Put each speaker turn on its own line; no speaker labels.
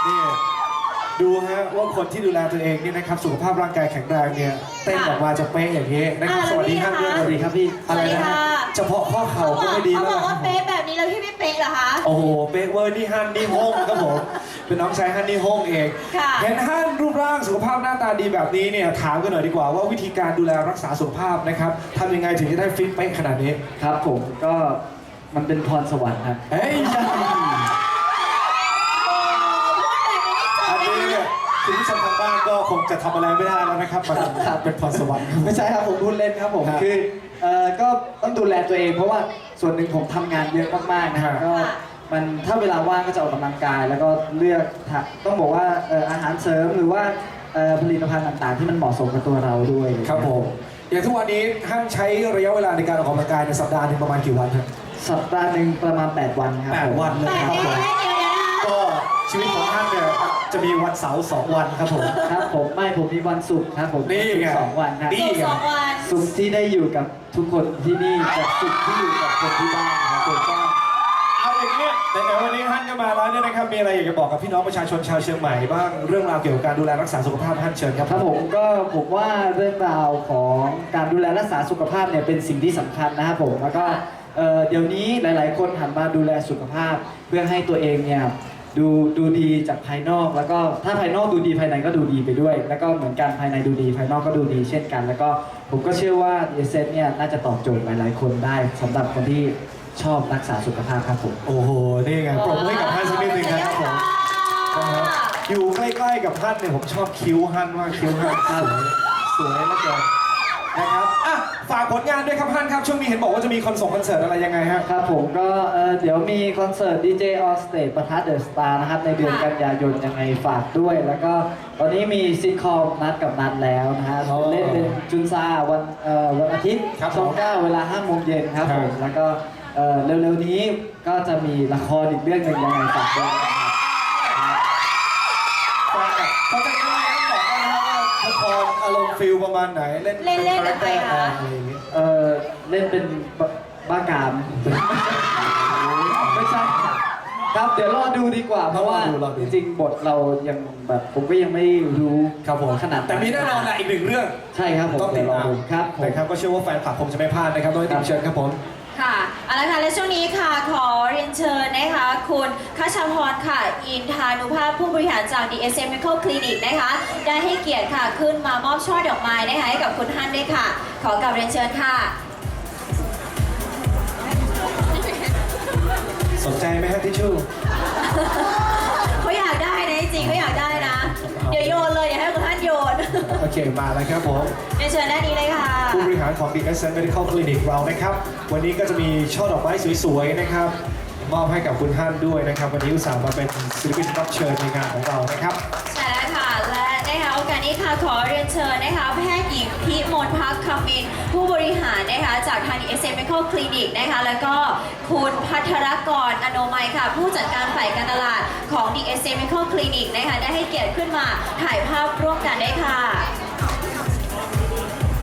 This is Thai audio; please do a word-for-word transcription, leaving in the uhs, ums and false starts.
นี่ดูฮะว่าคนที่ดูแลตัวเองเนี่ยนะครับสุขภาพร่างกายแข็งแรงเนี่ยเต้นออกมาจะเป๊ะอย่างนี้นะครับสวัสดีครับสวัสดีครับพี่อะไรนะเฉพาะข้อเข่าก็ไม่ดีแล้ว
เขาบอกว่าเป๊ะแบบนี้แล้วพี่ไม่เป๊ะเหรอคะ
โอ้โหเป๊ะเวอร์นี่ฮันนี่ฮงครับผมเป็นน้องชายฮันนี่ฮงเองเห็นฮันรูปร่างสุขภาพหน้าตาดีแบบนี้เนี่ยถามกันหน่อยดีกว่าว่าวิธีการดูแลรักษาสุขภาพนะครับทำยังไงถึงจะได้ฟิตเป๊ะขนาดนี้
ครับผมก็มันเป็นพรสวรรค์ครับ
เฮ้ยอันนี้เนี่ยคุณผู้ชมทางบ้านก็คงจะทำอะไรไม่ได้แล้วนะครับมันเป็นพรสวรรค์
ไม่ใช่ครับผมพูดเล่นครับผมคือเอ่อก็ต้องดูแลตัวเองเพราะว่าส่วนหนึ่งผมทำงานเยอะมากๆนะครับก็มันถ้าเวลาว่างก็จะออกกำลังกายแล้วก็เลือกต้องบอกว่าอาหารเสริมหรือว่าผลิตภัณฑ์ต่างๆที่มันเหมาะสมกับตัวเราด้วย
ครับผมอย่างทุกวันนี้ท่านใช้ระยะเวลาในการออกกำลังกายในสัปดาห์หนึ่งประมาณกี่วันครับ
สัปดาห์หนึ่งประมาณแปดวันครับ
แปดวันเลยครับผมก็ชีวิตของท่านเนี่ยจะมีวันเสาร์สองวันครับผม
ครับผมไม่ผมมีวันศุกร์ครับผม
นี่ไง
สองวันครับ
นี่ไง
ศุกร์ที่ได้อยู่กับทุกคนที่นี่กับศุกร์ที่อยู่กับคนที่บ้านครับผมก็
เอาอย่างนี้แต่ในวันนี้ท่านก็มาแล้วเนี่ยนะครับมีอะไรอยากจะบอกกับพี่น้องประชาชนชาวเชียงใหม่บ้างเรื่องราวเกี่ยวกับการดูแลรักษาสุขภาพท่านเชิญครับ
ครับผมก็ผมว่าเรื่องราวของการดูแลรักษาสุขภาพเนี่ยเป็นสิ่งที่สำคัญนะครับผมแล้วก็เดี๋ยวนี้หลายๆคนหันมาดูแลสุขภาพเพื่อให้ตัวเองเนี่ยดูดูดีจากภายนอกแล้วก็ถ้าภายนอกดูดีภายในก็ดูดีไปด้วยแล้วก็เหมือนกันภายในดูดีภายนอกก็ดูดีเช่นกันแล้วก็ผมก็เชื่อว่า ดี เอส เอส เนี่ยน่าจะตอบโจทย์หลายๆคนได้สำหรับคนที่ชอบรักษาสุขภาพครับผม
โอ้โหนี่ไงปรบมือให้กับท่านสักนิดนึงนะครับผมอยู่ใกล้ๆกับท่านเนี่ยผมชอบคิ้วท่านมากคิ้วท่านสวยสวยมากเลยนะครับอ่ะฝากผลงานด้วยครับท่านครับช่วงนี้เห็นบอกว่าจะมีคอนเสิร์ตคอนเสิร์ตอะไรยังไงฮะ
ครับผมก็เดี๋ยวมีคอนเสิร์ต ดี เจ On Stage ประทัดเดอะสตาร์นะครับในเดือนกันยายนยังไงฝากด้วยแล้วก็ตอนนี้มีซิทคอมนัดกับนัดแล้วนะฮะเล่นเป็นจุนซาวันวันอาทิตย์ช่องเก้าเวลาห้าโมงเย็นครับผมแล้วก็เร็วๆนี้ก็จะมีละครอีกเรื่องหนึ่งยังไงฝากด้วย
เขาจะยังไงต้องบอกกันนะครับว่าละครอารมณ์ฟิลประมาณไหนเล่น
เล่นเล่นอะไรคะ
เออเล่นเป็นบ้ากามไม่ใช่ครับเดี๋ยวรอดูดีกว่าเพราะว่าจริงๆบทเรายังแบบผมก็ยังไม่รู้
ครับผม
ขนาด
แต่มีแน่นอนแหละอีกหนึ่งเรื่อง
ใช่ครับผม
ต้องติดตาม
ครับ
นะครับก็เชื่อว่าแฟนคลับคงจะไม่พลาดนะครับโดยติดเชิญครับผม
ค่ะเอาละค่ะและช่วงนี้ค่ะขอเรียนเชิญนะคะคุณคัชพรค่ะอินทานุภาพผู้บริหารจาก ดี เอส เอ็ม Medical Clinic นะคะได้ให้เกียรติค่ะขึ้นมามอบช่อดอกไม้นะคะให้กับคุณฮั่นด้วยค่ะขอกราบเรียนเชิญค่ะ
สนใจไหมฮะทิชชู่
เขาอยากได้นะจริงเขาอยากได้นะเดี๋ยวโยนเลยเดี๋ยวให้คุณฮั่นโยน
โอเคมาแล้วครับผม
เรียนเชิญด้านนี้เลยค่ะ
ผู้บริหารของ ดี เอส เอ็ม Medical Clinic เรานะครับวันนี้ก็จะมีช่อดอกไม้สวยๆนะครับมอบให้กับคุณฮั่นด้วยนะครับวันนี้อุตส่าห์มาเป็นศิลปินรับเชิญในงานของเรานะครับ
ใช่แล้วค่ะและนะคะโอกาสนี้ค่ะขอเรียนเชิญนะคะแพทย์หญิงพิมลพักคำมินผู้บริหารนะคะจากทาง ดี เอส เอ็ม Medical Clinic นะคะแล้วก็คุณพัทรกรอโนมัยค่ะผู้จัดการฝ่ายการตลาดของ ดี เอส เอ็ม Medical Clinic นะคะได้ให้เกียรติขึ้นมาถ่ายภาพร่วมกันได้ค่ะ